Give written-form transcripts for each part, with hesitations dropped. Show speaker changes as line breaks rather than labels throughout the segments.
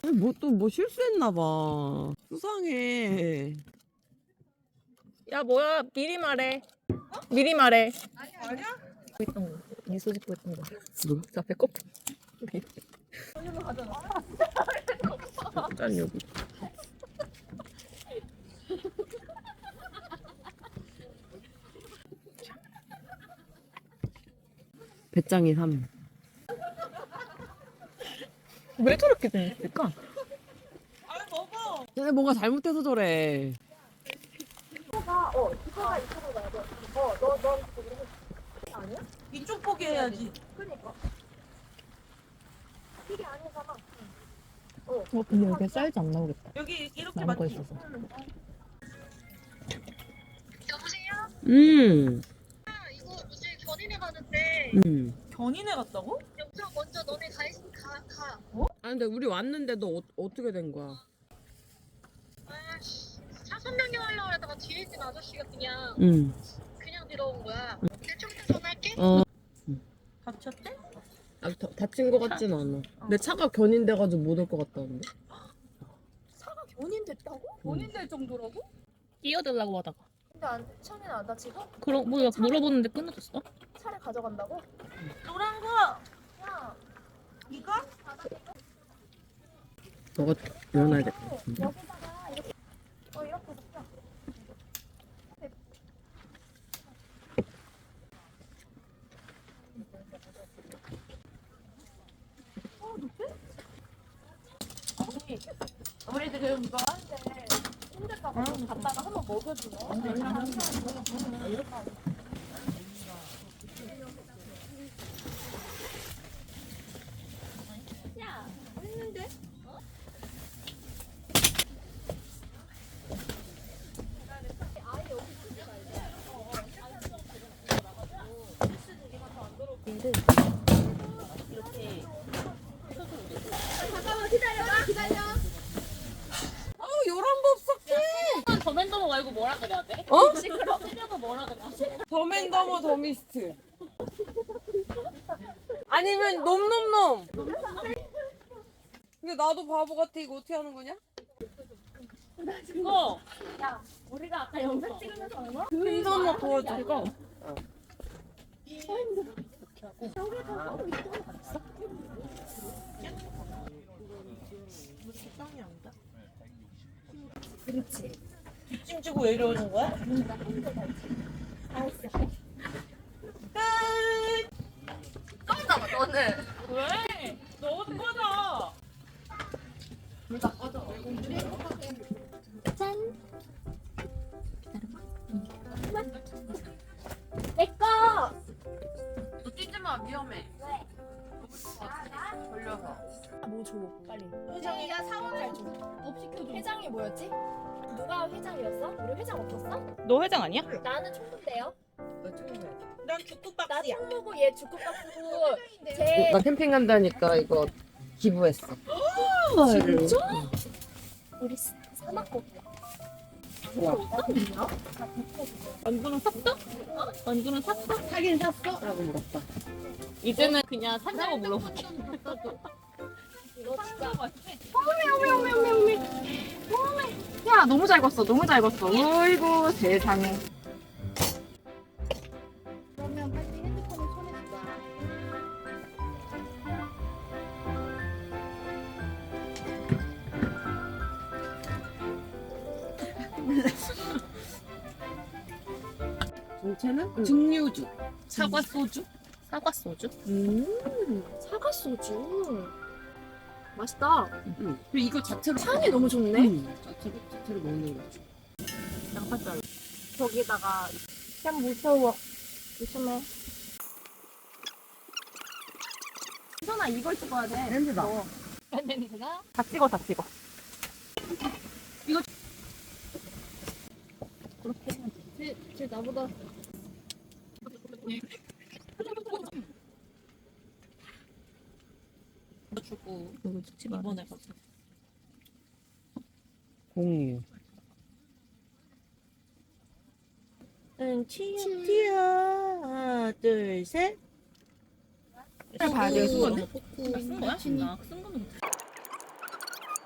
뭐 실수했나 봐. 수상해.
야 뭐야 미리 말해. 미리 말해.
아니야?
있던 거. 미소 짓고 있던 거.
누구?
저 앞에 컵.
짠 여기. 배짱이 3.
왜 저렇게 생겼을까?
아 먹어.
얘네 뭔가 잘못해서 저래.
이쪽 보기 해야지.
근데 여기 사이즈 안 나오겠다.
여기 이렇게
남은 거
맞지?
있어서.
여보세요?
음.
이거 이제 견인해 가는데
견인해 갔다고?
여보세요 먼저 너네 가.
아 근데 우리 왔는데 너 어떻게 된 거야?
아씨 차선 변경하려고 하다가 뒤에 있는 아저씨가 그냥 들어온 거야. 내 좀 이따 전화할게.
다쳤대?
다친 거 같진 않아. 내 차가 견인돼가지고 못 올 것 같다는데.
차가 견인됐다고?
견인될 정도라고?
끼어들라고 하다가.
근데 처음에는 안 다치고?
그럼 뭐야 물어보는데 끊어졌어?
차를 가져간다고?
노란 거.
야,
이거?
너가 일어나야 될 것 같은데.
여기다가 이렇게 이렇게 해서 펴. 우리 지금 이거 하는데 힘들까봐 좀 갔다가 한번 먹여주네. 야, 했는데? 잠깐만 기다려.
요런 법 섞해.
더맨더머 말고 뭐라 그래야 돼?
어?
시끄러. 쓰려고 뭐라 그래야 돼?
더맨더머 더미스트. 아니면 놈놈놈. 근데 나도 바보 같아. 이거 어떻게 하는 거냐?
그거
야, 우리가 아까 영상 찍으면서 얼마?
힘좀 도와줘.
이거
식당이 아니다.
그렇지.
뒷짐 지고 왜 이러는 거야?
알았어.
꺼져 너는. 왜? 너 꺼져.
짠. 내 거.
너 뛰지 마. 위험해.
왜?
걸려서.
뭐 줘, 빨리. 회장이가 사원을 줘. 업 시켜줘. 회장이 뭐였지? 누가 회장이었어? 우리 회장 없었어?
너 회장 아니야?
나는 총무인데요.
난 죽국밥이야.
나 총무고 얘 주급박스고 쟤.
나 캠핑 간다니까 이거 기부했어.
진짜? 우리 사막고.
완두는 샀어? 완두는 샀어?
사긴 샀어? 라고 물었다.
이제는 그냥 산다고 물어볼게.
이거 진짜.
야 너무 잘 봤어. 너무 잘 봤어. 어이구 세상에.
그러면 빨리 핸드폰을 손에 쥐자.
정체는 증류주.
사과 소주? 사과 소주?
사과 소주. 맛있다.
그리고 이거 자체로
향이 너무 좋네.
자체로 먹는 거지.
양파살.
거기다가 참 무서워. 조심해. 선아 이걸 찍어야 돼.
냄새다.
냄새가?
다 찍어 다 찍어.
쟤 나보다
주고 이거 찍지 마. 이번에 가서.
공유.
치아. 하나, 둘, 셋.
봐야 돼. 쓴 거네? 쓴 거야? 쓴 거는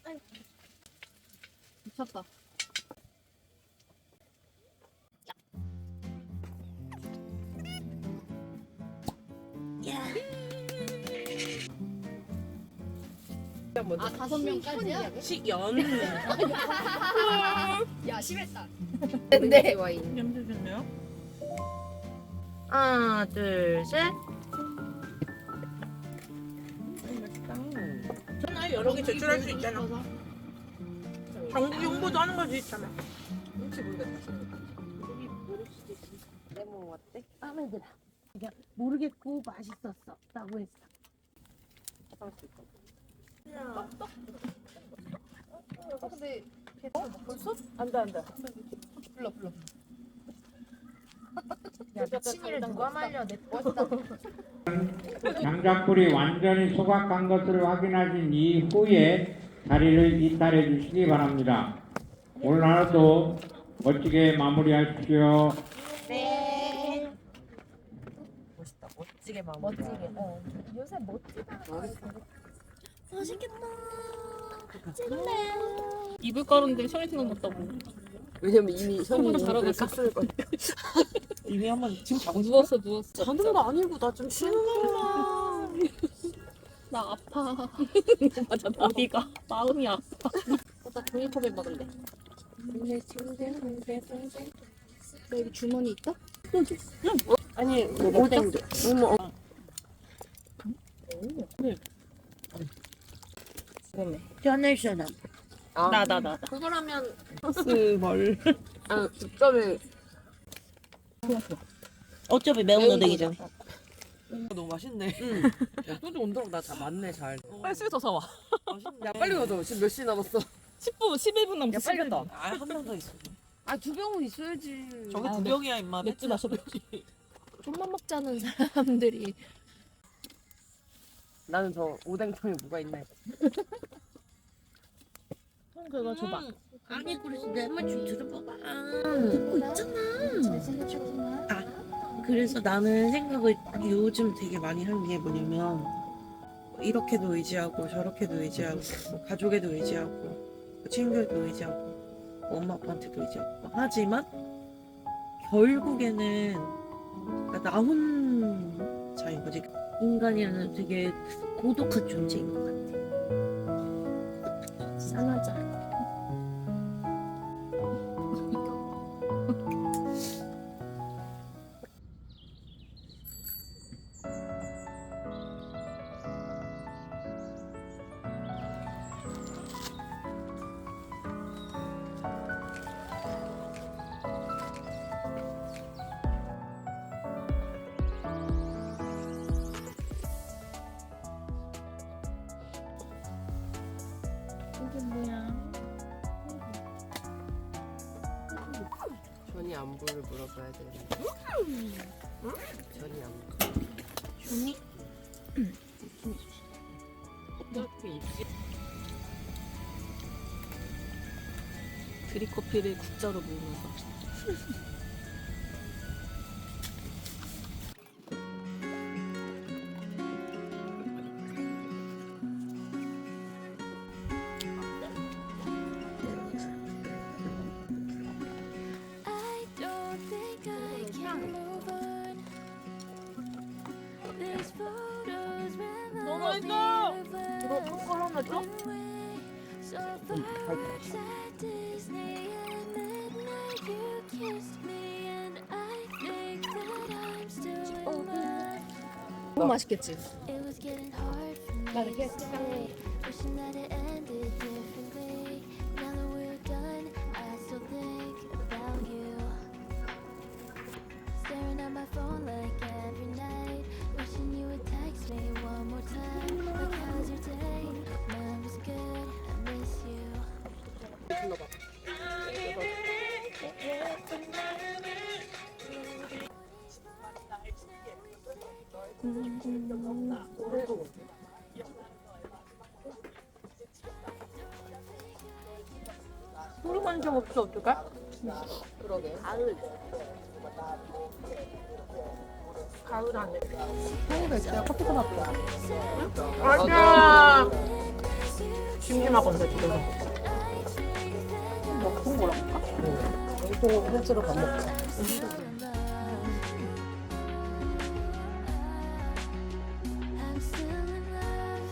미쳤다.
야, 먼저.
아 5명까지야?
식연.
야 심했다.
근데
냄새 좋네요. 하나, 둘, 셋. 전화 여러 개 제출할 수 있잖아. 전국 홍보도 하는 걸 수 있잖아.
혹시 모르겠다. 레몬 어때?
마음에 들어. 그러니까 모르겠고 맛있었어. 라고 했어.
근데
벌써? 안돼.
불러. 야 미친이를 누가 말려 내 멋있다.
장작불이 완전히 소각한 것을 확인하신 이후에 자리를 이탈해 주시기 바랍니다. 오늘 하루도 멋지게 마무리하십시오.
네.
멋있다. 멋지게 마무리.
멋지게. 요새 멋지다. 맛있겠다. 찍을래요.
이불 가루인데 셔이 생각났다고.
왜냐면 이미 현이
잘하고 있어.
깠을 거야.
이미 한번 지금 자고 싶어.
누웠어.
자는 거 아니고 나 좀 쉬는 거야.
나 아파. 맞아. 어디가? 마음이 아파. 나 종이컵에 먹을래.
너 여기 주머니 있다?
아니 오뎅도.
샤넬.
아,
나.
그거라면
스멀.
아 득점이
어차피 매운 오뎅이죠.
너무 맛있네. 야 소주 온도랑 나 다 맞네 잘.
빨리 수저 사와.
야 빨리 가자. 지금 몇 시 남았어?
10분, 11분
야
남았어.
빨리 갔다.
아, 한 명 더 있어.
아 2병은 있어야지.
저게
아,
두 병이야, 임마.
맥주 마셔야지.
좀만 먹자는 사람들이
나는 저 오뎅통에 뭐가 있나 했어.
그거 줘봐.
아니, 그래서 내 말 좀 들어봐봐.
듣고 있잖아. 잘 생각해보구나.
그래서 나는 생각을 요즘 되게 많이 하는 게 뭐냐면 이렇게도 의지하고 저렇게도 의지하고 뭐 가족에도 의지하고 뭐 친구에도 의지하고 뭐 엄마 아빠한테도 의지하고 하지만 결국에는 그러니까 나 혼자인 거지. 인간이라는 되게 고독한 존재인 것 같아. 짠하자.
전이 안부를 물어봐야 되는데. 전이 안부.
준이?
어떻게 입지?
드립커피를 국자로 모으면서.
I don't think I can move on. These photos remind me of a one-way so far at Disney and midnight you kissed me and I think that I'm still in love.
너무 맛있겠지?
It was getting hard for me
나를
to stay, wishing that it ended differently. Now that we're done, I still think about you. Staring at my phone like every night, wishing you would text me one more time. Like, how's your day? Mine was good, I miss you.
소리만 좀 없어, 어떡해?
그러게.
가을 안에.
하니가 있어요. 커피 사봤다.
맞아.
심심하건데 집에서.
먹은 거라니까?
또 횟수로 밥 먹자.
I'm still in love.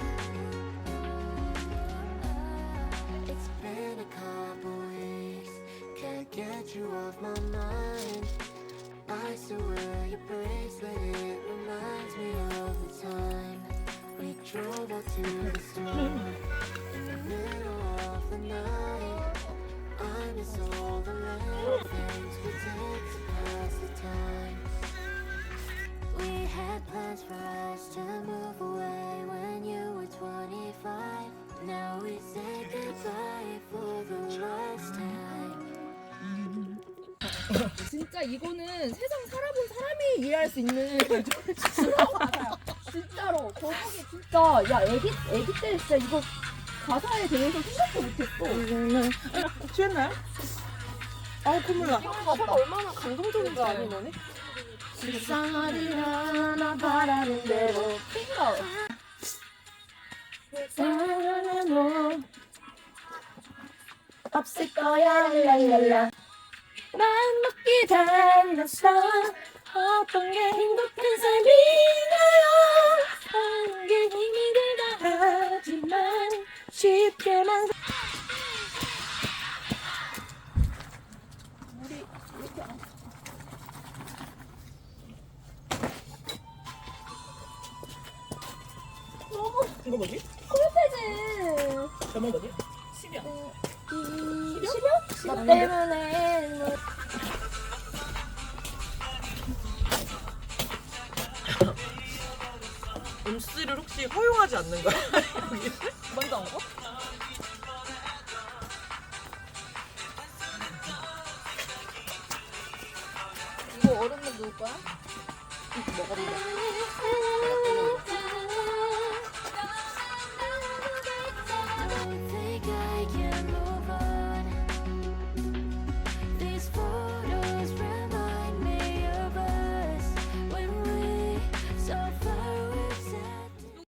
It's been a couple weeks, can't get you off my mind. I still wear your bracelet, it reminds me of the time we drove out to the store in the middle of the night. I miss all the little things we did to pass the time. We had plans for us to move away when you were 25. Now we say goodbye for the last time.
진짜 이거는 세상 살아본 사람이 이해할 수 있는 그런 가사야. 진짜로. 저분이 진짜 야 애기 때 진짜 이거 가사에 대해서 생각도 못했어.
취했나요? 아우 콧물 나.
가사가 얼마나 감동적인 거 아니 너네? 불쌍하리라 바라는 대로 핑거. 불쌍한 없을 거야 랄랄라. 맘먹기 달렸어. 어떤 게 행복한 삶인가요? 사는 게 힘이 들다 하지만 쉽게만
이거 뭐지?
콜페즈
제목 뭐지?
시려? 나 때문에
음씨를 혹시 허용하지 않는 거야?
먼저 온 거?
이거 얼음물 누울 거야?
먹어보자.